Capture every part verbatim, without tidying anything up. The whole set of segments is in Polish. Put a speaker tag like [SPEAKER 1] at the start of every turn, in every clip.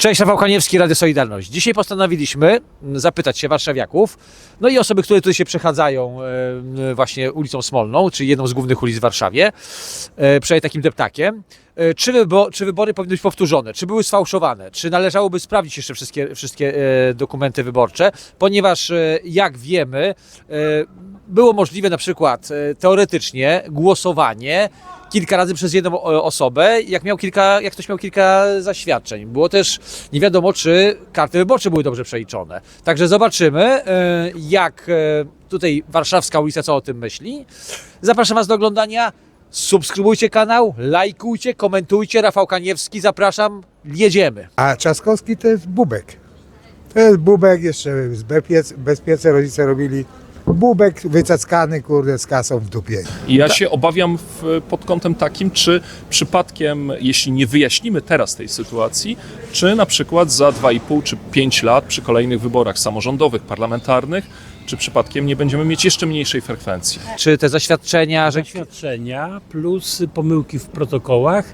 [SPEAKER 1] Cześć, Rafał Kaniewski, Radio Solidarność. Dzisiaj postanowiliśmy zapytać się warszawiaków, no i osoby, które tutaj się przechadzają e, właśnie ulicą Smolną, czyli jedną z głównych ulic w Warszawie, e, przejdzie takim deptakiem, e, czy, wybo czy wybory powinny być powtórzone, czy były sfałszowane, czy należałoby sprawdzić jeszcze wszystkie, wszystkie e, dokumenty wyborcze, ponieważ e, jak wiemy, e, było możliwe na przykład e, teoretycznie głosowanie kilka razy przez jedną osobę, jak, miał kilka, jak ktoś miał kilka zaświadczeń. Było też nie wiadomo, czy karty wyborcze były dobrze przeliczone. Także zobaczymy, jak tutaj warszawska ulica co o tym myśli. Zapraszam Was do oglądania. Subskrybujcie kanał, lajkujcie, komentujcie. Rafał Kaniewski, zapraszam, jedziemy.
[SPEAKER 2] A Trzaskowski to jest Bubek. To jest Bubek, jeszcze z bezpiec, bezpiece rodzice robili. Bubek wycackany, kurde, z kasą w dupie.
[SPEAKER 3] I ja się obawiam w, pod kątem takim, czy przypadkiem, jeśli nie wyjaśnimy teraz tej sytuacji, czy na przykład za dwa i pół czy pięć lat przy kolejnych wyborach samorządowych, parlamentarnych, czy przypadkiem nie będziemy mieć jeszcze mniejszej frekwencji.
[SPEAKER 1] Czy te zaświadczenia, że...
[SPEAKER 4] Zaświadczenia plus pomyłki w protokołach.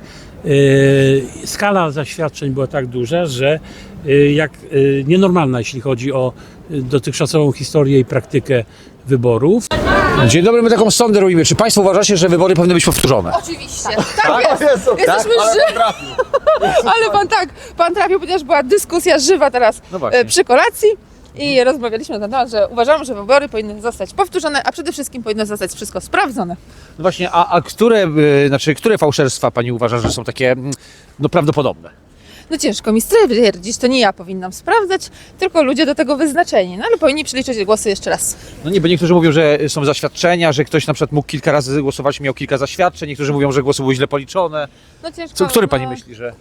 [SPEAKER 4] Yy, skala zaświadczeń była tak duża, że yy, jak yy, nienormalna, jeśli chodzi o yy, dotychczasową historię i praktykę wyborów.
[SPEAKER 1] Dzień dobry, my taką sondę robimy. Czy Państwo uważacie, że wybory powinny być powtórzone?
[SPEAKER 5] Oczywiście. Tak, jest. Jesteśmy żywi. Ale pan tak, pan trafił, ponieważ była dyskusja żywa teraz
[SPEAKER 1] No właśnie.
[SPEAKER 5] e, przy kolacji i rozmawialiśmy na ten temat, że uważamy, że wybory powinny zostać powtórzone, a przede wszystkim powinno zostać wszystko sprawdzone.
[SPEAKER 1] No właśnie, a, a które, y, znaczy, które fałszerstwa Pani uważa, że są takie mm, no, prawdopodobne?
[SPEAKER 5] No ciężko mi stwierdzić, to nie ja powinnam sprawdzać, tylko ludzie do tego wyznaczeni, no ale powinni przeliczyć głosy jeszcze raz.
[SPEAKER 1] No nie, bo niektórzy mówią, że są zaświadczenia, że ktoś na przykład mógł kilka razy głosować, miał kilka zaświadczeń, niektórzy mówią, że głosy były źle policzone.
[SPEAKER 5] No ciężko.
[SPEAKER 1] Co, który
[SPEAKER 5] no,
[SPEAKER 1] Pani myśli, że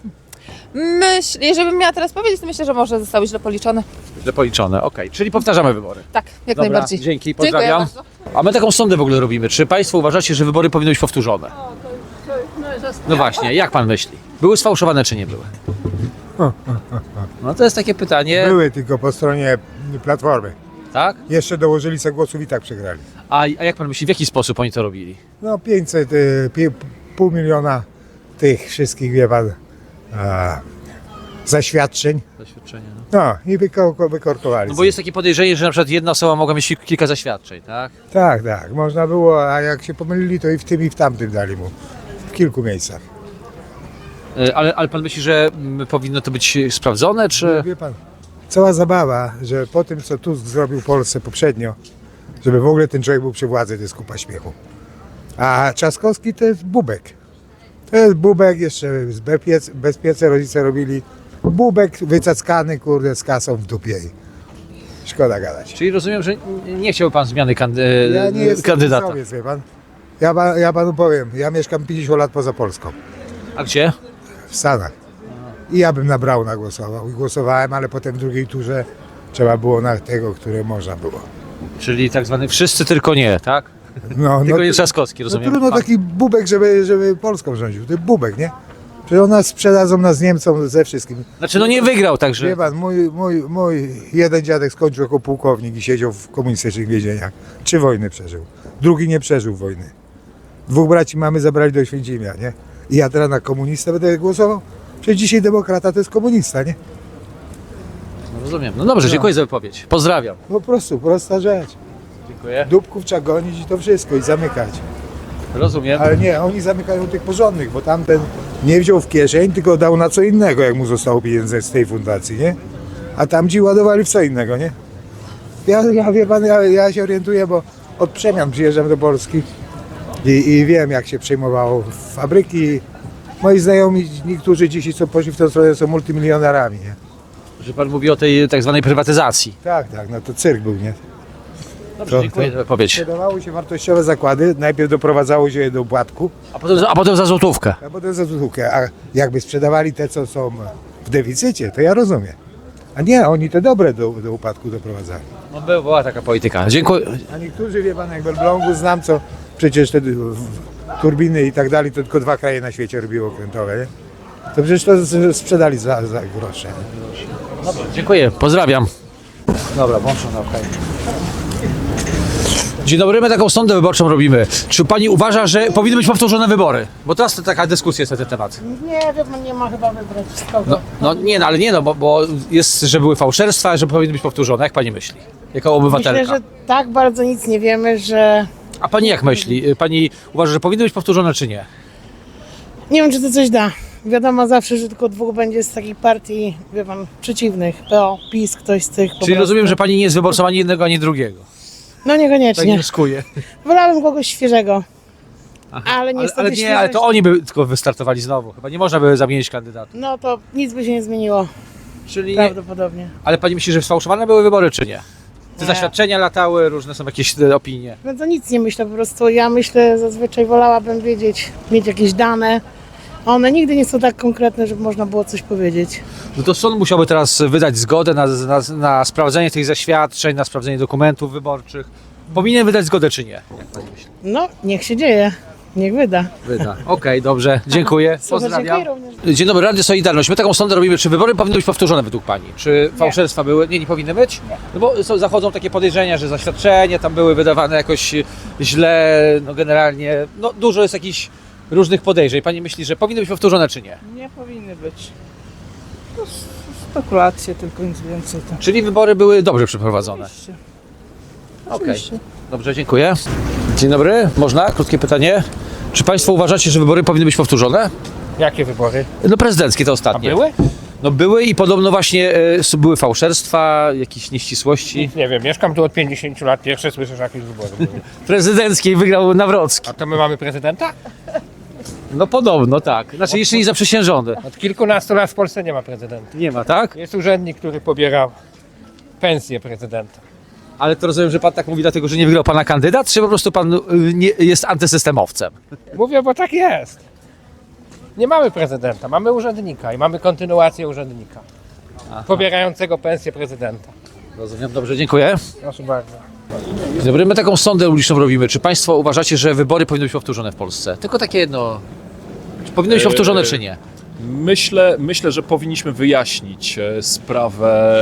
[SPEAKER 5] Myśl, jeżeli bym miała teraz powiedzieć, to myślę, że może zostały źle policzone.
[SPEAKER 1] źle policzone? Okej, czyli powtarzamy wybory.
[SPEAKER 5] Tak, jak
[SPEAKER 1] Dobra,
[SPEAKER 5] najbardziej.
[SPEAKER 1] dzięki,
[SPEAKER 5] Dziękuję
[SPEAKER 1] pozdrawiam.
[SPEAKER 5] bardzo.
[SPEAKER 1] A my taką sondę w ogóle robimy. Czy Państwo uważacie, że wybory powinny być powtórzone? No właśnie, jak Pan myśli? Były sfałszowane czy nie były? No to jest takie pytanie,
[SPEAKER 2] Były tylko po stronie Platformy.
[SPEAKER 1] tak?
[SPEAKER 2] Jeszcze dołożyli sobie głosów i tak przegrali.
[SPEAKER 1] A, a jak Pan myśli, w jaki sposób oni to robili?
[SPEAKER 2] No pięćset, y, pi- pół miliona tych wszystkich, wie pan, a, zaświadczeń.
[SPEAKER 1] Zaświadczenia, no.
[SPEAKER 2] No i wyko- wykorkowali.
[SPEAKER 1] No bo jest takie podejrzenie, że na przykład jedna osoba mogła mieć kilka zaświadczeń, tak?
[SPEAKER 2] Tak, tak, można było, a jak się pomylili, to i w tym i w tamtym dali mu. W kilku miejscach.
[SPEAKER 1] Y, Ale, ale Pan myśli, że mm, powinno to być sprawdzone, czy...
[SPEAKER 2] Wie pan, cała zabawa, że po tym, co Tusk zrobił Polsce poprzednio, żeby w ogóle ten człowiek był przy władzy, to jest kupa śmiechu. A Trzaskowski to jest Bubek. To jest Bubek, jeszcze z bezpiec, bezpiece rodzice robili. Bubek wycackany, kurde, z kasą w dupie. Szkoda gadać.
[SPEAKER 1] Czyli rozumiem, że nie chciałby Pan zmiany kandy...
[SPEAKER 2] Ja nie jestem
[SPEAKER 1] kandydata.
[SPEAKER 2] PiS-owiec, wie pan. Ja, pa- ja panu powiem, ja mieszkam pięćdziesiąt lat poza Polską,
[SPEAKER 1] A gdzie?
[SPEAKER 2] w Stanach. I ja bym na Brauna głosował. I głosowałem, ale potem w drugiej turze trzeba było na tego, które można było.
[SPEAKER 1] Czyli tak zwany wszyscy tylko nie, tak?
[SPEAKER 2] No,
[SPEAKER 1] Tylko
[SPEAKER 2] no,
[SPEAKER 1] nie Trzaskowski,
[SPEAKER 2] no
[SPEAKER 1] rozumiem.
[SPEAKER 2] trudno
[SPEAKER 1] Pan-
[SPEAKER 2] taki Bubek, żeby, żeby Polską rządził. To jest Bubek, nie? Przecież nas sprzedadzą nas Niemcom ze wszystkim.
[SPEAKER 1] Znaczy no nie wygrał, także...
[SPEAKER 2] Wie pan, mój, mój, mój jeden dziadek skończył jako pułkownik i siedział w komunistycznych więzieniach. Trzy wojny przeżył. Drugi nie przeżył wojny. Dwóch braci mamy zabrali do Święcimia, nie? I ja teraz na komunistę będę głosował? Przecież dzisiaj demokrata to jest komunista, nie?
[SPEAKER 1] No, rozumiem. No dobrze, dziękuję za wypowiedź. Pozdrawiam.
[SPEAKER 2] Po prostu, prosta rzecz.
[SPEAKER 1] Dziękuję.
[SPEAKER 2] Dupków trzeba gonić i to wszystko i zamykać.
[SPEAKER 1] Rozumiem.
[SPEAKER 2] Ale nie, oni zamykają tych porządnych, bo tamten nie wziął w kieszeń, tylko dał na co innego, jak mu zostało pieniędzy z tej fundacji, nie? A tamci ładowali w co innego, nie? Ja, ja wie pan, ja, ja się orientuję, bo od przemian przyjeżdżam do Polski i, i wiem, jak się przejmowało fabryki. Moi znajomi, niektórzy dzisiaj, co poszli w tę stronę, są multimilionerami, nie?
[SPEAKER 1] Że Pan mówi o tej tak zwanej prywatyzacji.
[SPEAKER 2] Tak, tak, no to cyrk był, nie?
[SPEAKER 1] Dobrze,
[SPEAKER 2] To-
[SPEAKER 1] dziękuję
[SPEAKER 2] to-
[SPEAKER 1] za wypowiedź.
[SPEAKER 2] Sprzedawały się wartościowe zakłady, najpierw doprowadzało się je do upadku,
[SPEAKER 1] A potem, a potem za złotówkę.
[SPEAKER 2] a potem za złotówkę. A jakby sprzedawali te, co są w deficycie, to ja rozumiem. A nie, oni te dobre do, do upadku doprowadzali.
[SPEAKER 1] No była taka polityka. Dziękuję.
[SPEAKER 2] A niektórzy, wie pan, jak w Elblągu znam, co przecież te w- turbiny i tak dalej, to tylko dwa kraje na świecie robiło okrętowe, nie? To przecież to z- sprzedali za, za grosze. Nie?
[SPEAKER 1] Dobra, dziękuję. Pozdrawiam. Dobra, włączam na okej. Dzień dobry, my taką sondę wyborczą robimy. Czy pani uważa, że powinny być powtórzone wybory? Bo teraz to taka dyskusja jest na ten temat.
[SPEAKER 6] Nie, wie pan, nie ma chyba wybrać z kogo.
[SPEAKER 1] No, no nie, no ale nie, no bo, bo jest, że były fałszerstwa, że powinny być powtórzone. Jak pani myśli? Jako obywatelka.
[SPEAKER 6] Myślę, że tak bardzo nic nie wiemy, że...
[SPEAKER 1] A pani jak myśli? Pani uważa, że powinny być powtórzone, czy nie?
[SPEAKER 6] Nie wiem, czy to coś da. Wiadomo zawsze, że tylko dwóch będzie z takich partii, wie pan, przeciwnych. P O, PiS, ktoś z tych po
[SPEAKER 1] Czyli
[SPEAKER 6] prostu.
[SPEAKER 1] rozumiem, że pani nie jest wyborcą ani jednego, ani drugiego.
[SPEAKER 6] No
[SPEAKER 1] Tak
[SPEAKER 6] niekoniecznie.
[SPEAKER 1] wnioskuję.
[SPEAKER 6] Wolałabym kogoś świeżego. Ale
[SPEAKER 1] Ale,
[SPEAKER 6] niestety
[SPEAKER 1] ale nie,
[SPEAKER 6] świeżość-
[SPEAKER 1] ale to oni by tylko wystartowali znowu. Chyba nie można by zamienić kandydata.
[SPEAKER 6] No to nic by się nie zmieniło,
[SPEAKER 1] Czyli nie,
[SPEAKER 6] prawdopodobnie.
[SPEAKER 1] ale pani myśli, że sfałszowane były wybory, czy nie? Te
[SPEAKER 6] Nie.
[SPEAKER 1] zaświadczenia latały, różne są jakieś e, opinie.
[SPEAKER 6] No to nic nie myślę, po prostu ja myślę, zazwyczaj wolałabym wiedzieć, mieć jakieś dane. A one nigdy nie są tak konkretne, żeby można było coś powiedzieć.
[SPEAKER 1] No to sąd musiałby teraz wydać zgodę na, na, na sprawdzenie tych zaświadczeń, na sprawdzenie dokumentów wyborczych. Powinien wydać zgodę, czy nie? Jak pani myśli?
[SPEAKER 6] No, niech się dzieje, niech wyda.
[SPEAKER 1] Wyda. Okej, dobrze, dziękuję.
[SPEAKER 6] Super,
[SPEAKER 1] Pozdrawiam.
[SPEAKER 6] dziękuję również.
[SPEAKER 1] Dzień dobry, Radio Solidarność. My taką sondę robimy, czy wybory powinny być powtórzone według pani? Czy fałszerstwa były? Nie, nie powinny być? No bo są, zachodzą takie podejrzenia, że zaświadczenia tam były wydawane jakoś źle, no generalnie, no dużo jest jakichś różnych podejrzeń. Pani myśli, że powinny być powtórzone, czy nie?
[SPEAKER 7] Nie powinny być. To s- spekulacje, tylko nic więcej. To.
[SPEAKER 1] Czyli wybory były dobrze przeprowadzone.
[SPEAKER 7] Oczywiście.
[SPEAKER 1] Okej.
[SPEAKER 7] Oczywiście.
[SPEAKER 1] Dobrze, dziękuję. Dzień dobry, można? Krótkie pytanie. Czy Państwo uważacie, że wybory powinny być powtórzone?
[SPEAKER 8] Jakie wybory?
[SPEAKER 1] No prezydenckie te
[SPEAKER 8] A
[SPEAKER 1] ostatnie.
[SPEAKER 8] były?
[SPEAKER 1] No były i podobno właśnie e, były fałszerstwa, jakieś nieścisłości.
[SPEAKER 8] Nie wiem, mieszkam tu od pięćdziesięciu lat, pierwsze słyszę, że jakieś wybory były.
[SPEAKER 1] Prezydenckiej wygrał Nawrocki.
[SPEAKER 8] A to my mamy prezydenta?
[SPEAKER 1] No podobno tak. Znaczy jeszcze nie zaprzysiężony.
[SPEAKER 8] Od kilkunastu lat w Polsce nie ma prezydenta.
[SPEAKER 1] Nie ma, tak?
[SPEAKER 8] Jest urzędnik, który pobiera pensję prezydenta.
[SPEAKER 1] Ale to rozumiem, że pan tak mówi dlatego, że nie wygrał pana kandydat, czy po prostu pan y, nie, jest antysystemowcem?
[SPEAKER 8] Mówię, bo tak jest. Nie mamy prezydenta, mamy urzędnika i mamy kontynuację urzędnika. Pobierającego pensję prezydenta.
[SPEAKER 1] Rozumiem, dobrze, dziękuję.
[SPEAKER 8] Proszę bardzo.
[SPEAKER 1] Dzień dobry, my taką sondę uliczną robimy. Czy państwo uważacie, że wybory powinny być powtórzone w Polsce? Tylko takie jedno. Czy powinny być powtórzone, czy nie?
[SPEAKER 3] Myślę, myślę, że powinniśmy wyjaśnić e, sprawę,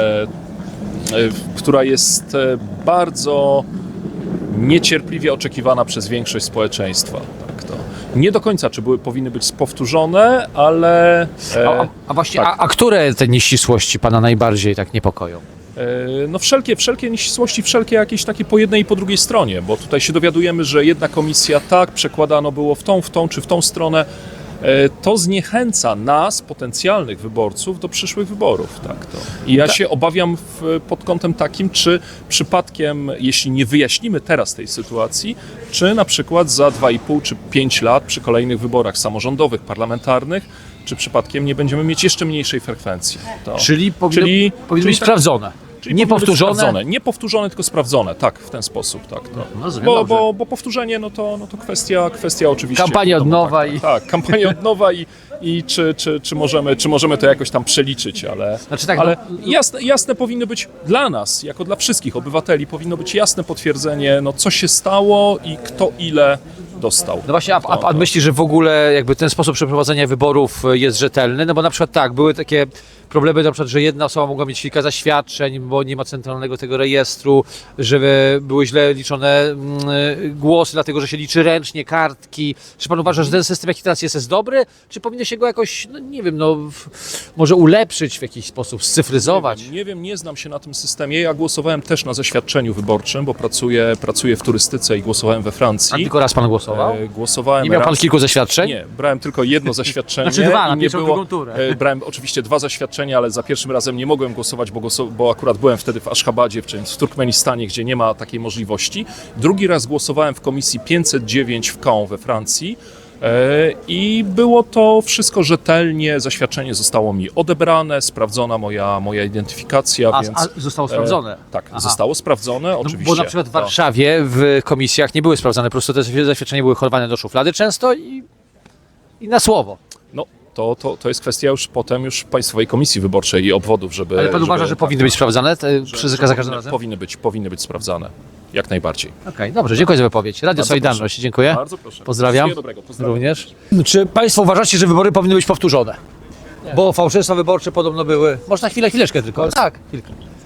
[SPEAKER 3] e, w- która jest e, bardzo niecierpliwie oczekiwana przez większość społeczeństwa. Tak to. Nie do końca, czy były, powinny być powtórzone, ale e,
[SPEAKER 1] A, a, a właśnie,
[SPEAKER 3] tak.
[SPEAKER 1] a, a które te nieścisłości pana najbardziej tak niepokoją?
[SPEAKER 3] E, No wszelkie, wszelkie nieścisłości, wszelkie jakieś takie po jednej i po drugiej stronie, bo tutaj się dowiadujemy, że jedna komisja tak przekładano było w tą, w tą czy w tą stronę. E, To zniechęca nas, potencjalnych wyborców, do przyszłych wyborów. Tak to. I ja się obawiam w, pod kątem takim, czy przypadkiem, jeśli nie wyjaśnimy teraz tej sytuacji, czy na przykład za dwa i pół czy pięć lat przy kolejnych wyborach samorządowych, parlamentarnych, czy przypadkiem nie będziemy mieć jeszcze mniejszej frekwencji. To.
[SPEAKER 1] Czyli powinno,
[SPEAKER 3] Czyli-
[SPEAKER 1] powinny
[SPEAKER 3] czyli
[SPEAKER 1] być
[SPEAKER 3] tak-
[SPEAKER 1] sprawdzone.
[SPEAKER 3] Czyli
[SPEAKER 1] nie
[SPEAKER 3] powinny być
[SPEAKER 1] powtórzone.
[SPEAKER 3] sprawdzone. Nie powtórzone, tylko sprawdzone. Tak, w ten sposób. Tak, to.
[SPEAKER 1] No, rozumiem,
[SPEAKER 3] bo,
[SPEAKER 1] dobrze.
[SPEAKER 3] bo, bo powtórzenie, no to, no to kwestia, kwestia oczywiście.
[SPEAKER 1] Kampania od
[SPEAKER 3] wiadomo,
[SPEAKER 1] nowa
[SPEAKER 3] tak,
[SPEAKER 1] i-
[SPEAKER 3] Tak, tak, kampania od nowa i, i czy, czy, czy, możemy, czy możemy to jakoś tam przeliczyć, ale,
[SPEAKER 1] Znaczy tak,
[SPEAKER 3] ale
[SPEAKER 1] no-
[SPEAKER 3] jasne, jasne powinno być dla nas, jako dla wszystkich obywateli, powinno być jasne potwierdzenie, no co się stało i kto ile dostał.
[SPEAKER 1] No właśnie, a, a
[SPEAKER 3] To-
[SPEAKER 1] pan
[SPEAKER 3] to-
[SPEAKER 1] myśli, że w ogóle jakby ten sposób przeprowadzenia wyborów jest rzetelny? No bo na przykład tak, były takie problemy, na przykład, że jedna osoba mogła mieć kilka zaświadczeń, bo nie ma centralnego tego rejestru, że były źle liczone mm, głosy, dlatego że się liczy ręcznie, kartki. Czy pan uważa, że ten system, jaki teraz jest, jest dobry? Czy powinno się go jakoś, no nie wiem, no w, może ulepszyć w jakiś sposób, scyfryzować?
[SPEAKER 3] Nie wiem, nie wiem, nie znam się na tym systemie. Ja głosowałem też na zaświadczeniu wyborczym, bo pracuję, pracuję w turystyce i głosowałem we
[SPEAKER 1] A
[SPEAKER 3] Francji.
[SPEAKER 1] tylko raz pan głosował?
[SPEAKER 3] E, Głosowałem
[SPEAKER 1] Nie miał pan
[SPEAKER 3] raz-
[SPEAKER 1] kilku zaświadczeń?
[SPEAKER 3] Nie, brałem tylko jedno zaświadczenie.
[SPEAKER 1] Znaczy dwa, na
[SPEAKER 3] i nie
[SPEAKER 1] pierwszą,
[SPEAKER 3] było,
[SPEAKER 1] drugą turę.
[SPEAKER 3] e, Brałem oczywiście dwa zaświadczenia, ale za pierwszym razem nie mogłem głosować, bo, głosu, bo akurat byłem wtedy w Aszchabadzie, w, czym- w Turkmenistanie, gdzie nie ma takiej możliwości. Drugi raz głosowałem w komisji pięćset dziewięć w Caen we Francji. e, I było to wszystko rzetelnie, zaświadczenie zostało mi odebrane, sprawdzona moja, moja identyfikacja,
[SPEAKER 1] A,
[SPEAKER 3] więc...
[SPEAKER 1] a zostało sprawdzone?
[SPEAKER 3] E, tak,
[SPEAKER 1] Aha.
[SPEAKER 3] zostało sprawdzone,
[SPEAKER 1] No,
[SPEAKER 3] oczywiście.
[SPEAKER 1] bo na przykład w
[SPEAKER 3] To-
[SPEAKER 1] Warszawie w komisjach nie były sprawdzane, po prostu te zaświadczenia były chowane do szuflady często i, i na słowo.
[SPEAKER 3] No, to, to, to jest kwestia już potem już Państwowej Komisji Wyborczej i obwodów, żeby...
[SPEAKER 1] Ale pan
[SPEAKER 3] żeby,
[SPEAKER 1] uważa, że
[SPEAKER 3] tak,
[SPEAKER 1] powinny być sprawdzane te,
[SPEAKER 3] że-
[SPEAKER 1] przy,
[SPEAKER 3] że
[SPEAKER 1] za każdym
[SPEAKER 3] powinny,
[SPEAKER 1] razem?
[SPEAKER 3] powinny być, powinny być sprawdzane. Jak najbardziej.
[SPEAKER 1] Okej, dobrze, dziękuję za wypowiedź. Radio
[SPEAKER 3] Bardzo
[SPEAKER 1] Solidarność,
[SPEAKER 3] proszę.
[SPEAKER 1] dziękuję.
[SPEAKER 3] Bardzo proszę.
[SPEAKER 1] Pozdrawiam.
[SPEAKER 3] Wszystkiego dobrego. Pozdrawiam.
[SPEAKER 1] Również. Czy Państwo uważacie, że wybory powinny być powtórzone? Bo fałszerstwa wyborcze podobno były. Można chwilę, chwileczkę tylko. Tak, chwilkę.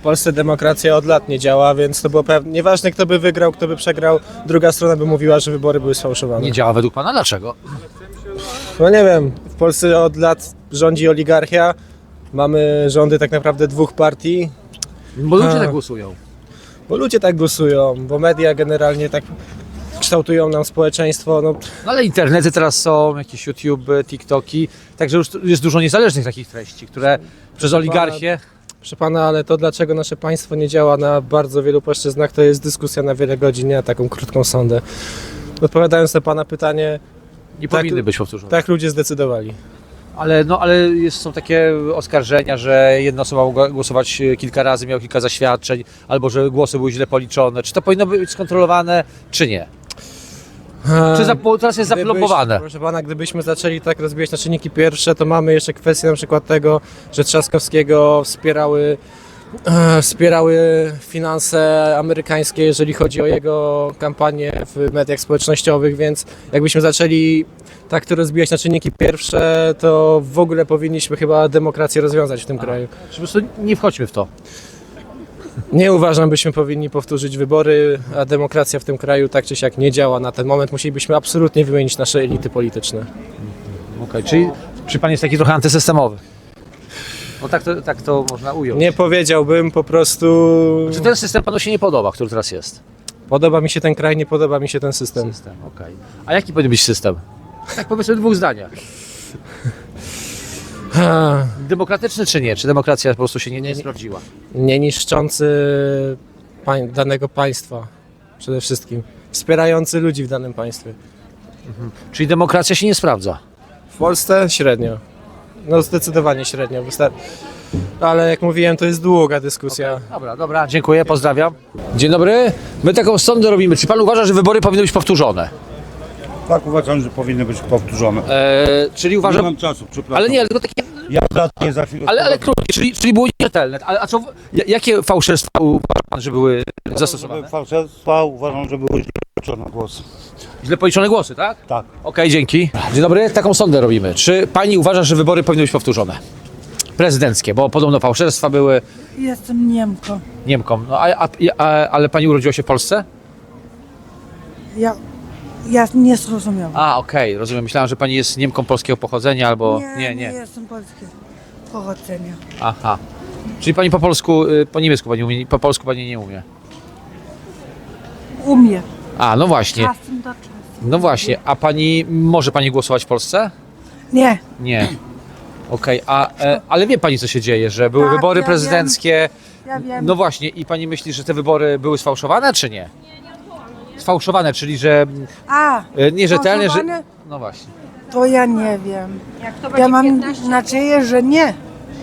[SPEAKER 9] Polsce demokracja od lat nie działa, więc to było pewne. Nieważne kto by wygrał, kto by przegrał, druga strona by mówiła, że wybory były sfałszowane.
[SPEAKER 1] Nie działa według pana? Dlaczego?
[SPEAKER 9] No nie wiem, w Polsce od lat rządzi oligarchia, mamy rządy tak naprawdę dwóch partii,
[SPEAKER 1] Bo ludzie
[SPEAKER 9] A.
[SPEAKER 1] tak głosują.
[SPEAKER 9] bo ludzie tak głosują, bo media generalnie tak kształtują nam społeczeństwo. No,
[SPEAKER 1] No ale internety teraz są, jakieś YouTube, TikToki, także już jest dużo niezależnych takich treści, które przez oligarchię...
[SPEAKER 9] proszę pana, ale to dlaczego nasze państwo nie działa na bardzo wielu płaszczyznach, to jest dyskusja na wiele godzin, nie na taką krótką sondę. Odpowiadając na pana pytanie,
[SPEAKER 1] Nie
[SPEAKER 9] tak-
[SPEAKER 1] powinny być powtórzone.
[SPEAKER 9] tak ludzie zdecydowali.
[SPEAKER 1] Ale, no, ale jest, są takie oskarżenia, że jedna osoba mogła głosować kilka razy, miała kilka zaświadczeń, albo że głosy były źle policzone. Czy to powinno być skontrolowane, czy nie? Czy za, bo teraz jest
[SPEAKER 9] Gdybyś-
[SPEAKER 1] zaplomowane?
[SPEAKER 9] Proszę pana, gdybyśmy zaczęli tak rozbijać na czynniki pierwsze, to mamy jeszcze kwestię na przykład tego, że Trzaskowskiego wspierały, e, wspierały finanse amerykańskie, jeżeli chodzi o jego kampanię w mediach społecznościowych, więc jakbyśmy zaczęli tak to rozbijać na czynniki pierwsze, to w ogóle powinniśmy chyba demokrację rozwiązać w tym kraju.
[SPEAKER 1] Czy po prostu nie wchodźmy w to?
[SPEAKER 9] Nie uważam, byśmy powinni powtórzyć wybory, a demokracja w tym kraju tak czy siak nie działa na ten moment. Musielibyśmy absolutnie wymienić nasze elity polityczne.
[SPEAKER 1] Okej, czyli czy pan jest taki trochę antysystemowy? No tak to, tak to można ująć.
[SPEAKER 9] Nie powiedziałbym, po prostu
[SPEAKER 1] Czy ten system panu się nie podoba, który teraz jest?
[SPEAKER 9] podoba mi się ten kraj, nie podoba mi się ten system.
[SPEAKER 1] System, okej. A jaki powinien być system? Tak powiedzmy w dwóch zdaniach.
[SPEAKER 9] Ha,
[SPEAKER 1] Demokratyczny czy nie? Czy demokracja po prostu się nie, nie sprawdziła?
[SPEAKER 9] nie niszczący pań, danego państwa przede wszystkim. Wspierający ludzi w danym państwie.
[SPEAKER 1] Czyli demokracja się nie sprawdza?
[SPEAKER 9] W Polsce średnio. No zdecydowanie średnio. Wystar- Ale jak mówiłem, to jest długa dyskusja.
[SPEAKER 1] Dobra, dobra, dziękuję, pozdrawiam. Dzień dobry. My taką sondę robimy. Czy pan uważa, że wybory powinny być powtórzone?
[SPEAKER 10] Tak, uważam, że powinny być powtórzone.
[SPEAKER 1] Eee, czyli
[SPEAKER 10] Nie
[SPEAKER 1] uważam...
[SPEAKER 10] mam czasu, przepraszam.
[SPEAKER 1] Ale nie, tylko takie...
[SPEAKER 10] Ja nie za chwilę.
[SPEAKER 1] Ale, ale krótkie, czyli, czyli było nierzetelne. Ale a co, ja- jakie fałszerstwa uważa pan, że były zastosowane?
[SPEAKER 10] Fałszerstwa uważam, że były źle policzone głosy.
[SPEAKER 1] Źle policzone głosy, tak?
[SPEAKER 10] Tak.
[SPEAKER 1] Okej, dzięki. Dzień dobry, taką sondę robimy. Czy pani uważa, że wybory powinny być powtórzone? Prezydenckie, bo podobno fałszerstwa były
[SPEAKER 11] Jestem Niemką.
[SPEAKER 1] Niemkom. No, a, a, a, ale pani urodziła się w Polsce?
[SPEAKER 11] Ja, ja nie zrozumiałam.
[SPEAKER 1] A, okej, rozumiem. Myślałem, że pani jest Niemką polskiego pochodzenia albo...
[SPEAKER 11] nie,
[SPEAKER 1] nie.
[SPEAKER 11] nie
[SPEAKER 1] nie.
[SPEAKER 11] jestem polskiego pochodzenia.
[SPEAKER 1] Aha. Czyli pani po polsku, y, po niemiecku pani umie, po polsku pani nie umie.
[SPEAKER 11] Umiem.
[SPEAKER 1] A, no właśnie.
[SPEAKER 11] Czasem do czasu.
[SPEAKER 1] No właśnie, a pani, może pani głosować w Polsce?
[SPEAKER 11] Nie.
[SPEAKER 1] Nie. Okej, a e, ale wie pani co się dzieje, że były
[SPEAKER 11] Tak,
[SPEAKER 1] wybory
[SPEAKER 11] ja
[SPEAKER 1] prezydenckie.
[SPEAKER 11] Ja wiem.
[SPEAKER 1] No właśnie, i pani myśli, że te wybory były sfałszowane, czy nie? Sfałszowane, czyli że
[SPEAKER 11] A,
[SPEAKER 1] e, nierzetelne, że...
[SPEAKER 11] sfałszowane?
[SPEAKER 1] No właśnie.
[SPEAKER 11] to ja nie wiem. Ja mam nadzieję, że nie.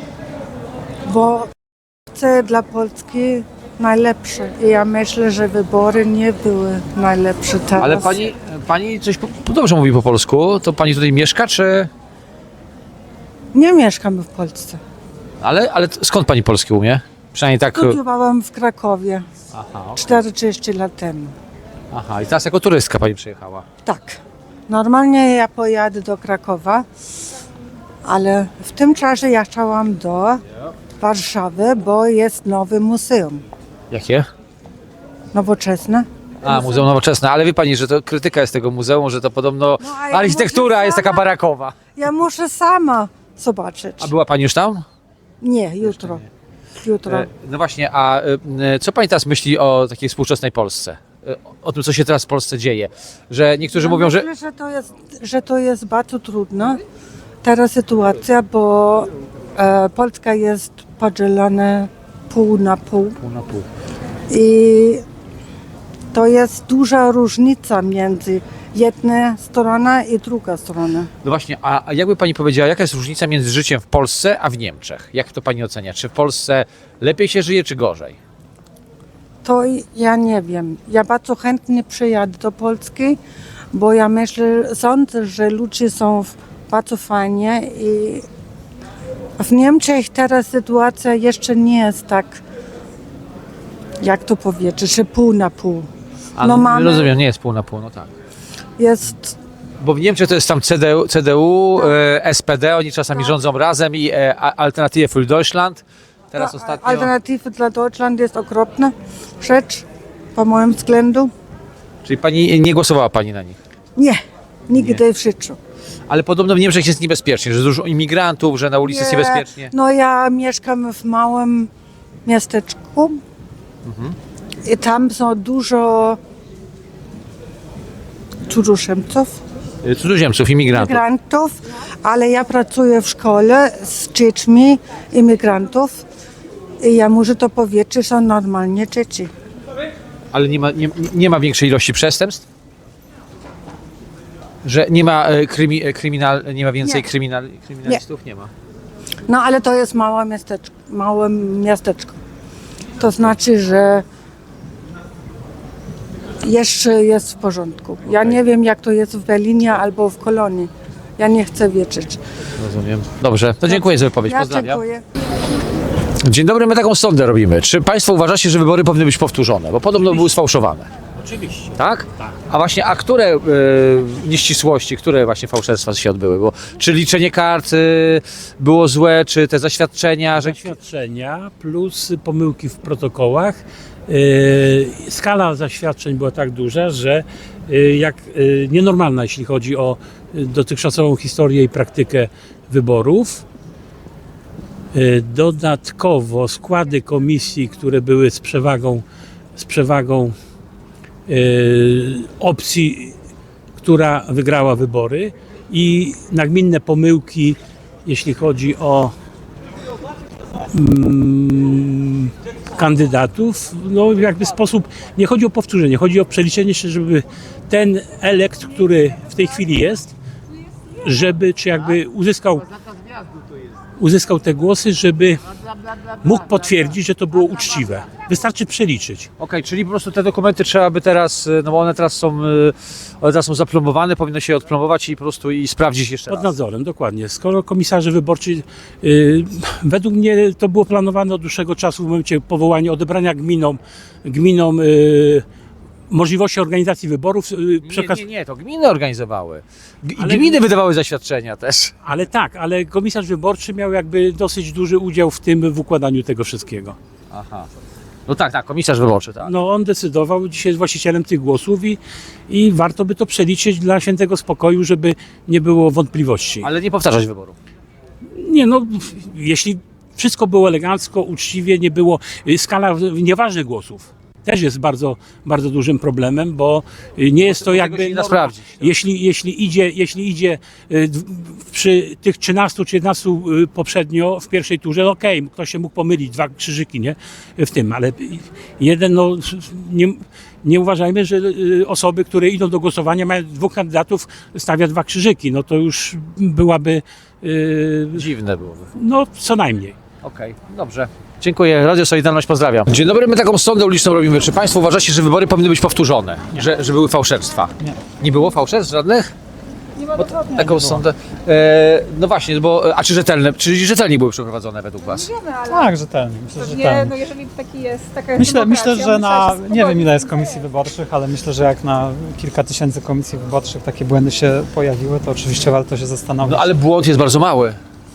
[SPEAKER 11] Bo chcę dla Polski najlepsze. I ja myślę, że wybory nie były najlepsze teraz.
[SPEAKER 1] Ale pani, pani coś po, dobrze mówi po polsku, to pani tutaj mieszka, czy...
[SPEAKER 11] Nie mieszkam w Polsce.
[SPEAKER 1] Ale, ale skąd pani polski umie? Przynajmniej tak...
[SPEAKER 11] Studiowałam w Krakowie
[SPEAKER 1] Aha, okej.
[SPEAKER 11] czterdzieści lat temu.
[SPEAKER 1] Aha, i teraz jako turystka pani przyjechała.
[SPEAKER 11] Tak. Normalnie ja pojadę do Krakowa, ale w tym czasie ja chciałam do Warszawy, bo jest nowe muzeum.
[SPEAKER 1] Jakie?
[SPEAKER 11] Nowoczesne.
[SPEAKER 1] A, Muzeum Nowoczesne, ale wie pani, że to krytyka jest tego muzeum, że to podobno
[SPEAKER 11] No, a ja
[SPEAKER 1] architektura
[SPEAKER 11] muszę
[SPEAKER 1] jest taka
[SPEAKER 11] sama-
[SPEAKER 1] barakowa.
[SPEAKER 11] Ja muszę sama zobaczyć.
[SPEAKER 1] A była pani już tam?
[SPEAKER 11] Nie, jutro. Jutro.
[SPEAKER 1] E, No właśnie, a e, co pani teraz myśli o takiej współczesnej Polsce? E, O tym, co się teraz w Polsce dzieje? Że niektórzy
[SPEAKER 11] Ja
[SPEAKER 1] mówią, że...
[SPEAKER 11] myślę, że to jest, że to jest bardzo trudna teraz sytuacja, bo e, Polska jest podzielona pół na pół.
[SPEAKER 1] Pół na pół.
[SPEAKER 11] I to jest duża różnica między jedna strona i druga strona.
[SPEAKER 1] No właśnie, a, a jakby pani powiedziała, jaka jest różnica między życiem w Polsce a w Niemczech? Jak to pani ocenia? Czy w Polsce lepiej się żyje, czy gorzej?
[SPEAKER 11] To i- ja nie wiem. Ja bardzo chętnie przyjadę do Polski, bo ja myślę, sądzę, że ludzie są w- bardzo fajnie i w Niemczech teraz sytuacja jeszcze nie jest tak, jak to powiedzieć, że pół na pół.
[SPEAKER 1] A,
[SPEAKER 11] No mamy-
[SPEAKER 1] Rozumiem, nie jest pół na pół, no tak.
[SPEAKER 11] Jest,
[SPEAKER 1] Bo w Niemczech to jest tam C D U, C D U e, S P D, oni czasami rządzą razem i e, a- Alternative für Deutschland, Teraz
[SPEAKER 11] Ta
[SPEAKER 1] ostatnio...
[SPEAKER 11] Alternatywy dla Deutschland jest okropna rzecz, po moim względu.
[SPEAKER 1] Czyli pani nie głosowała pani na nich?
[SPEAKER 11] Nie, nigdy w życiu.
[SPEAKER 1] Ale podobno w Niemczech jest niebezpiecznie, że dużo imigrantów, że na ulicy jest
[SPEAKER 11] Nie,
[SPEAKER 1] niebezpiecznie.
[SPEAKER 11] No ja mieszkam w małym miasteczku i tam są dużo cudzoziemców,
[SPEAKER 1] Y, Cudzoziemców, imigrantów.
[SPEAKER 11] imigrantów, ale ja pracuję w szkole z dziećmi imigrantów i ja muszę to powiedzieć, że są normalnie dzieci.
[SPEAKER 1] Ale nie ma, nie, nie ma większej ilości przestępstw? Że nie ma e, krymi, e, kryminal, nie ma więcej
[SPEAKER 11] Nie.
[SPEAKER 1] kryminal, kryminalistów? Nie. ma.
[SPEAKER 11] No ale to jest małe miasteczko, małe miasteczko. To znaczy, że jeszcze jest w porządku. Ja nie wiem, jak to jest w Berlinie albo w Kolonii. Ja nie chcę wiedzieć.
[SPEAKER 1] Rozumiem. Dobrze, to dziękuję za wypowiedź.
[SPEAKER 11] Ja
[SPEAKER 1] Pozdrawiam.
[SPEAKER 11] dziękuję.
[SPEAKER 1] Dzień dobry, my taką sondę robimy. Czy państwo uważacie, że wybory powinny być powtórzone? Bo podobno były sfałszowane.
[SPEAKER 4] Oczywiście.
[SPEAKER 1] Tak? A właśnie, a które e, nieścisłości, które właśnie fałszerstwa się odbyły? Bo, czy liczenie kart e, było złe, czy te zaświadczenia, że...
[SPEAKER 4] Zaświadczenia plus pomyłki w protokołach. Yy, skala zaświadczeń była tak duża, że yy, jak yy, nienormalna, jeśli chodzi o yy, dotychczasową historię i praktykę wyborów. Yy, dodatkowo składy komisji, które były z przewagą, z przewagą yy, opcji, która wygrała wybory, i nagminne pomyłki, jeśli chodzi o mm, kandydatów, no jakby sposób, nie chodzi o powtórzenie, chodzi o przeliczenie się, żeby ten elekt, który w tej chwili jest, żeby, czy jakby uzyskał, uzyskał te głosy, żeby mógł potwierdzić, że to było uczciwe. Wystarczy przeliczyć.
[SPEAKER 1] Okej, czyli po prostu te dokumenty trzeba by teraz, e, no bo one teraz są, e, one teraz są zaplombowane, powinno się je odplomować i po prostu i sprawdzić jeszcze
[SPEAKER 4] Pod
[SPEAKER 1] raz.
[SPEAKER 4] nadzorem, dokładnie. Skoro komisarze wyborczy, yy, według mnie to było planowane od dłuższego czasu w momencie powołania, odebrania gminom, gminom yy, możliwości organizacji wyborów. Yy, przekaz...
[SPEAKER 1] Nie, nie, nie, to gminy organizowały. G-
[SPEAKER 4] Ale-
[SPEAKER 1] Gminy wydawały zaświadczenia też.
[SPEAKER 4] Ale tak, ale komisarz wyborczy miał jakby dosyć duży udział w tym, w układaniu tego wszystkiego.
[SPEAKER 1] Aha. No tak, tak, komisarz wyborczy, tak.
[SPEAKER 4] No on decydował, dzisiaj jest właścicielem tych głosów i, i warto by to przeliczyć dla świętego spokoju, żeby nie było wątpliwości.
[SPEAKER 1] Ale nie powtarzać wyboru.
[SPEAKER 4] Nie no, jeśli wszystko było elegancko, uczciwie, nie było, y, skala nieważnych głosów też jest bardzo, bardzo dużym problemem, bo y, nie jest to
[SPEAKER 1] tego się
[SPEAKER 4] jakby...
[SPEAKER 1] nie da sprawdzić.
[SPEAKER 4] Jeśli, jeśli idzie, jeśli idzie y, d- przy tych trzynastu czy jedenastu y, poprzednio w pierwszej turze, no okej, ktoś się mógł pomylić, dwa krzyżyki, nie? W tym, ale jeden, no nie, nie uważajmy, że y, osoby, które idą do głosowania, mają dwóch kandydatów, stawia dwa krzyżyki, no to już byłaby, y,
[SPEAKER 1] Dziwne byłoby.
[SPEAKER 4] no co najmniej.
[SPEAKER 1] Okej, dobrze. Dziękuję. Radio Solidarność, pozdrawiam. Dzień dobry, my taką sondę uliczną robimy. Czy państwo uważacie, że wybory powinny być powtórzone? Że, że były fałszerstwa? Nie. Nie było fałszerstw żadnych?
[SPEAKER 7] Nie ma dokładnie.
[SPEAKER 1] Taką sondę. E, no właśnie, bo, a czy rzetelne, czy rzetelnie były przeprowadzone według was?
[SPEAKER 7] Wiemy, ale
[SPEAKER 12] Tak, rzetelnie. Myślę, że
[SPEAKER 7] pewnie,
[SPEAKER 12] rzetelnie.
[SPEAKER 7] no jeżeli taki jest, taka jest
[SPEAKER 12] Myślę,
[SPEAKER 7] demokracja,
[SPEAKER 12] myślę, że na,
[SPEAKER 7] musiała się
[SPEAKER 12] nie wiem
[SPEAKER 7] pogodzić.
[SPEAKER 12] ile jest komisji wyborczych, ale myślę, że jak na kilka tysięcy komisji wyborczych takie błędy się pojawiły, to oczywiście warto się zastanowić.
[SPEAKER 1] No ale błąd jest bardzo mały.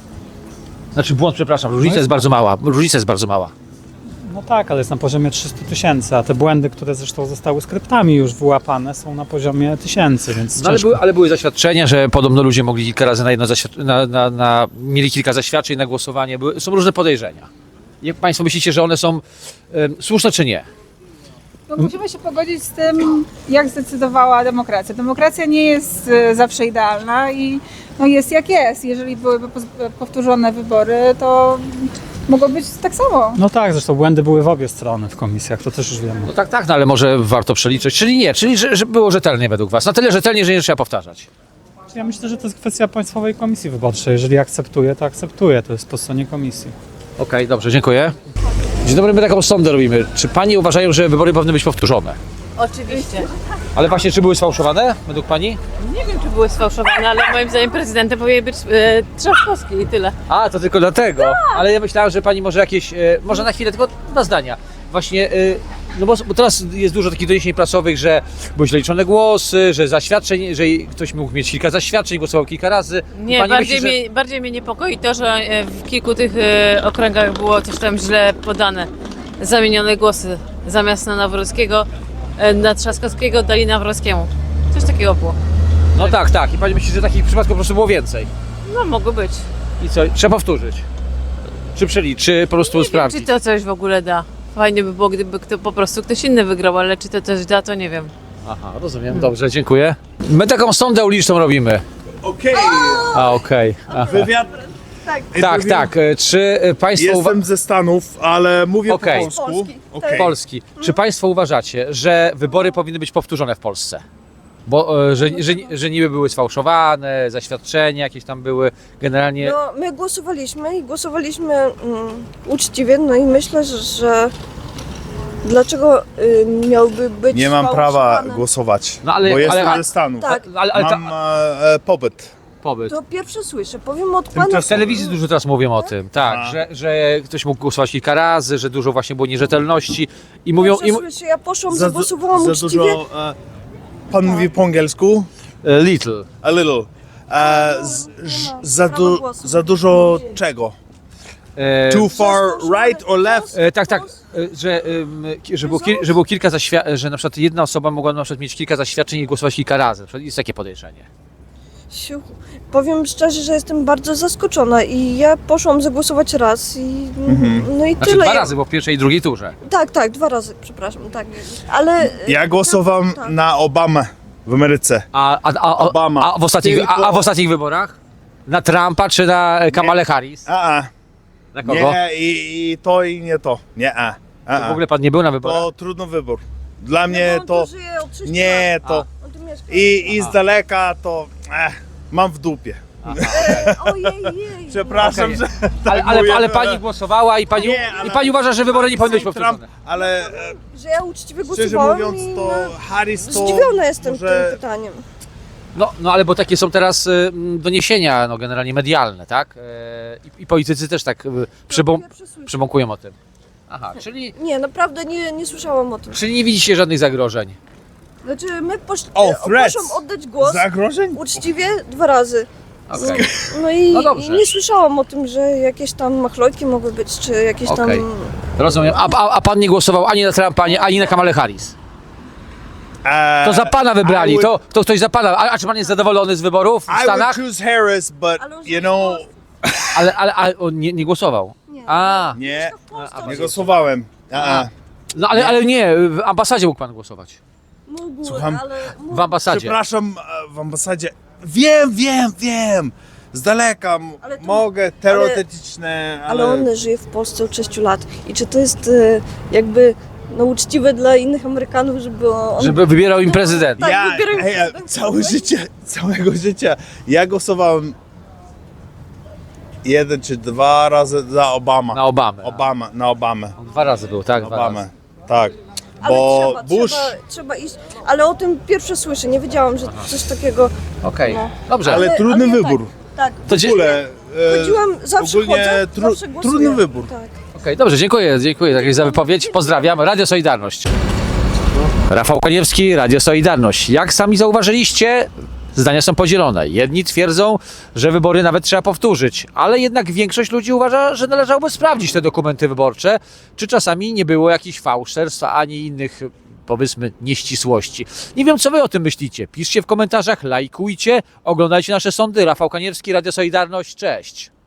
[SPEAKER 1] Znaczy błąd, przepraszam, różnica
[SPEAKER 12] No jest-
[SPEAKER 1] jest bardzo mała. Różnica jest bardzo mała.
[SPEAKER 12] No tak, ale jest na poziomie trzystu tysięcy, a te błędy, które zresztą zostały skryptami już wyłapane, są na poziomie tysięcy, więc
[SPEAKER 1] No ale,
[SPEAKER 12] ciężko.
[SPEAKER 1] były, ale były zaświadczenia, że podobno ludzie mogli kilka razy na jedno zaświad- na, na, na, mieli kilka zaświadczeń na głosowanie. Były, są różne podejrzenia. Jak państwo myślicie, że one są em, słuszne czy nie?
[SPEAKER 7] No, musimy się pogodzić z tym, jak zdecydowała demokracja. Demokracja nie jest e, zawsze idealna i no, jest jak jest. Jeżeli byłyby poz- powtórzone wybory, to mogło być tak samo.
[SPEAKER 12] No tak, zresztą błędy były w obie strony w komisjach, to też już wiemy.
[SPEAKER 1] No tak, tak, no ale może warto przeliczyć, czyli nie, czyli że, że było rzetelnie według was. Na tyle rzetelnie, że nie trzeba powtarzać.
[SPEAKER 12] Ja myślę, że to jest kwestia Państwowej Komisji Wyborczej. Jeżeli akceptuje, to akceptuje. To jest po stronie komisji.
[SPEAKER 1] Okej, dobrze, dziękuję. Dzień dobry, my taką sondę robimy. Czy pani uważają, że wybory powinny być powtórzone?
[SPEAKER 13] Oczywiście.
[SPEAKER 1] Ale właśnie, czy były sfałszowane według pani?
[SPEAKER 13] Nie wiem, czy były sfałszowane, ale moim zdaniem prezydentem powinien być e, Trzaskowski i tyle.
[SPEAKER 1] A, to tylko dlatego. Ale ja myślałem, że pani może jakieś, e, może na chwilę, tylko dwa zdania. Właśnie, e, No bo, bo teraz jest dużo takich doniesień prasowych, że były źle liczone głosy, że zaświadczeń, że ktoś mógł mieć kilka zaświadczeń, głosował kilka razy.
[SPEAKER 13] Nie,
[SPEAKER 1] Pani
[SPEAKER 13] bardziej,
[SPEAKER 1] myśli, że-
[SPEAKER 13] mnie, bardziej mnie niepokoi to, że e, w kilku tych e, okręgach było coś tam źle podane. Zamienione głosy. Zamiast na Nawrockiego, e, na Trzaskowskiego dali Nawrockiemu. Coś takiego było.
[SPEAKER 1] No tak, tak. I pani myśli, że takich przypadków po prostu było więcej.
[SPEAKER 13] No mogło być.
[SPEAKER 1] I co? Trzeba powtórzyć. Czy przeliczyć, czy po prostu
[SPEAKER 13] Czy
[SPEAKER 1] sprawdzić?
[SPEAKER 13] to coś w ogóle da? Fajnie by było, gdyby kto, po prostu ktoś inny wygrał, ale czy to coś da, to nie wiem.
[SPEAKER 1] Aha, rozumiem. Dobrze, dziękuję. My taką sondę uliczną robimy.
[SPEAKER 14] Okej.
[SPEAKER 1] A, okej. Aha.
[SPEAKER 14] Wywiad.
[SPEAKER 1] Tak, tak. E, Czy e, państwo... uwa-
[SPEAKER 14] Jestem ze Stanów, ale mówię
[SPEAKER 1] Okej.
[SPEAKER 14] po polsku. Okej.
[SPEAKER 1] Polski. Czy państwo uważacie, że wybory powinny być powtórzone w Polsce? Bo e, że, że, że niby były sfałszowane, zaświadczenia jakieś tam były, generalnie...
[SPEAKER 15] No, my głosowaliśmy i głosowaliśmy mm, uczciwie, no i myślę, że, że dlaczego y, miałby być
[SPEAKER 14] Nie mam prawa
[SPEAKER 15] sfałszowane?
[SPEAKER 14] głosować,
[SPEAKER 1] No, ale-
[SPEAKER 14] bo jestem
[SPEAKER 1] ale-
[SPEAKER 14] ze Stanów.
[SPEAKER 15] Tak.
[SPEAKER 1] Ale, ale ta,
[SPEAKER 14] Mam e, e, pobyt.
[SPEAKER 1] pobyt.
[SPEAKER 15] To pierwsze słyszę, powiem od pana.
[SPEAKER 1] W telewizji dużo teraz mówią o tym, tak,
[SPEAKER 14] A.
[SPEAKER 1] że, że ktoś mógł głosować kilka razy, że dużo właśnie było nierzetelności i mówią...
[SPEAKER 15] Pierwsze
[SPEAKER 1] I, mu-
[SPEAKER 15] słyszę, ja poszłam,
[SPEAKER 14] Za,
[SPEAKER 15] zagłosowałam
[SPEAKER 14] za
[SPEAKER 15] uczciwie.
[SPEAKER 14] dużo. E, pan mówi po angielsku?
[SPEAKER 1] e, little.
[SPEAKER 14] A little. E, z, ż, za,
[SPEAKER 15] prawa
[SPEAKER 14] du,
[SPEAKER 15] głosu.
[SPEAKER 14] za dużo czego?
[SPEAKER 1] E,
[SPEAKER 14] Too far right or left?
[SPEAKER 1] E, tak, tak, e, że, em, ki- że, było kil, że było kilka zaświadczeń, że na przykład jedna osoba mogła na przykład mieć kilka zaświadczeń i głosować kilka razy. Na przykład jest takie podejrzenie.
[SPEAKER 15] Siu. Powiem szczerze, że jestem bardzo zaskoczona i ja poszłam zagłosować raz i no i
[SPEAKER 1] Znaczy
[SPEAKER 15] tyle.
[SPEAKER 1] dwa razy, bo w pierwszej i drugiej turze.
[SPEAKER 15] Tak, tak, dwa razy, przepraszam, tak. Ale
[SPEAKER 14] Ja głosowałem
[SPEAKER 15] tak.
[SPEAKER 14] na Obamę w Ameryce.
[SPEAKER 1] A, a, a, a,
[SPEAKER 14] Obama.
[SPEAKER 1] a, w ostatnich, a,
[SPEAKER 14] Tylko-
[SPEAKER 1] a w ostatnich wyborach? Na Trumpa czy na Kamalę Harris?
[SPEAKER 14] A, a.
[SPEAKER 1] Na kogo?
[SPEAKER 14] Nie, i, i to i nie to. Nie, a. a,
[SPEAKER 1] To
[SPEAKER 14] a.
[SPEAKER 1] w ogóle pan nie był na wyborach?
[SPEAKER 14] To trudny wybór. Dla mnie
[SPEAKER 15] No, on
[SPEAKER 14] to...
[SPEAKER 15] tu żyje od sześciu
[SPEAKER 14] Nie,
[SPEAKER 15] lat.
[SPEAKER 14] to...
[SPEAKER 15] On tu mieszka.
[SPEAKER 14] I, i z daleka to... Eh, mam w dupie.
[SPEAKER 15] Ojej, jej.
[SPEAKER 14] Przepraszam,
[SPEAKER 1] Okej.
[SPEAKER 14] że
[SPEAKER 1] Ale,
[SPEAKER 14] tak
[SPEAKER 1] ale,
[SPEAKER 14] mówię,
[SPEAKER 1] ale pani głosowała i pani,
[SPEAKER 14] Nie, ale-
[SPEAKER 1] i pani uważa, że wybory nie powinny być
[SPEAKER 14] Trump,
[SPEAKER 1] powtórzone?
[SPEAKER 14] ale e,
[SPEAKER 15] Że ja uczciwie
[SPEAKER 14] szczerze
[SPEAKER 15] głosowałam
[SPEAKER 14] mówiąc
[SPEAKER 15] i
[SPEAKER 14] to
[SPEAKER 15] no,
[SPEAKER 14] Harris to...
[SPEAKER 15] zdziwiona jestem
[SPEAKER 14] może-
[SPEAKER 15] tym pytaniem.
[SPEAKER 1] No, no ale bo takie są teraz y, m, doniesienia no, generalnie medialne, tak? E, i, I politycy też tak y, przybą,
[SPEAKER 15] Pierwsze słyszę.
[SPEAKER 1] przybąkują o tym. Aha, czyli,
[SPEAKER 15] Nie, naprawdę nie, nie słyszałam o tym.
[SPEAKER 1] czyli nie widzicie żadnych zagrożeń.
[SPEAKER 15] Znaczy, my posz...
[SPEAKER 14] O,
[SPEAKER 15] e,
[SPEAKER 14] threats.
[SPEAKER 15] poszłam oddać głos
[SPEAKER 14] Zagrożeń?
[SPEAKER 15] uczciwie dwa razy.
[SPEAKER 1] Okej.
[SPEAKER 15] No i,
[SPEAKER 1] No dobrze.
[SPEAKER 15] i nie słyszałam o tym, że jakieś tam machlojki mogły być, czy jakieś
[SPEAKER 1] Okej.
[SPEAKER 15] tam...
[SPEAKER 1] Rozumiem. A, a, a pan nie głosował ani na Trumpa, ani, ani na Kamalę Harris?
[SPEAKER 14] E,
[SPEAKER 1] To za pana wybrali,
[SPEAKER 14] I would-
[SPEAKER 1] to, to ktoś za pana. A, a czy pan jest zadowolony z wyborów w
[SPEAKER 14] I would
[SPEAKER 1] Stanach?
[SPEAKER 14] choose Harris, but
[SPEAKER 15] Ale on
[SPEAKER 14] you know...
[SPEAKER 1] Ale, ale, ale on nie, nie głosował.
[SPEAKER 15] Nie.
[SPEAKER 1] A,
[SPEAKER 14] Nie,
[SPEAKER 1] a,
[SPEAKER 14] nie głosowałem. A, a.
[SPEAKER 1] no ale, ale nie, w ambasadzie mógł pan głosować.
[SPEAKER 15] Mógł,
[SPEAKER 14] Słucham?
[SPEAKER 15] ale...
[SPEAKER 1] W ambasadzie.
[SPEAKER 14] Przepraszam, e, w ambasadzie. Wiem, wiem, wiem. Z daleka m-
[SPEAKER 15] Ale to-
[SPEAKER 14] mogę, teoretyczne, ale...
[SPEAKER 15] Ale on żyje w Polsce od sześciu lat. I czy to jest e, jakby no, uczciwe dla innych Amerykanów, żeby on...
[SPEAKER 1] Żeby wybierał im prezydent.
[SPEAKER 15] Tak,
[SPEAKER 14] ja,
[SPEAKER 15] wybieram
[SPEAKER 14] ej, ja,
[SPEAKER 15] prezydenta.
[SPEAKER 14] całe życie, całego życia. Ja głosowałem jeden czy dwa razy za Obama.
[SPEAKER 1] Na Obamę.
[SPEAKER 14] Obama, na Obamę.
[SPEAKER 1] On dwa razy był, tak? Dwa
[SPEAKER 14] Obamę,
[SPEAKER 1] razy.
[SPEAKER 14] tak.
[SPEAKER 15] Ale
[SPEAKER 14] Bo
[SPEAKER 15] trzeba,
[SPEAKER 14] Bush...
[SPEAKER 15] trzeba, trzeba iść. Ale o tym pierwsze słyszę, nie wiedziałam, że coś takiego...
[SPEAKER 1] Okej,
[SPEAKER 15] No.
[SPEAKER 1] dobrze.
[SPEAKER 14] Ale
[SPEAKER 15] Ale-
[SPEAKER 14] trudny
[SPEAKER 15] ale ja
[SPEAKER 14] wybór.
[SPEAKER 15] Tak,
[SPEAKER 1] To
[SPEAKER 14] W
[SPEAKER 1] dzie-
[SPEAKER 14] ogóle... e,
[SPEAKER 15] chodziłam, zawsze
[SPEAKER 14] ogólnie
[SPEAKER 15] chodzę,
[SPEAKER 14] tru-
[SPEAKER 15] zawsze głosuję.
[SPEAKER 14] trudny wybór.
[SPEAKER 15] Tak.
[SPEAKER 1] Okej, dobrze, dziękuję, dziękuję takiej za wypowiedź. Pozdrawiam. Radio Solidarność. Rafał Kaniewski, Radio Solidarność. Jak sami zauważyliście, zdania są podzielone. Jedni twierdzą, że wybory nawet trzeba powtórzyć, ale jednak większość ludzi uważa, że należałoby sprawdzić te dokumenty wyborcze, czy czasami nie było jakichś fałszerstw, ani innych, powiedzmy, nieścisłości. Nie wiem, co wy o tym myślicie. Piszcie w komentarzach, lajkujcie, oglądajcie nasze sądy. Rafał Kaniewski, Radio Solidarność. Cześć.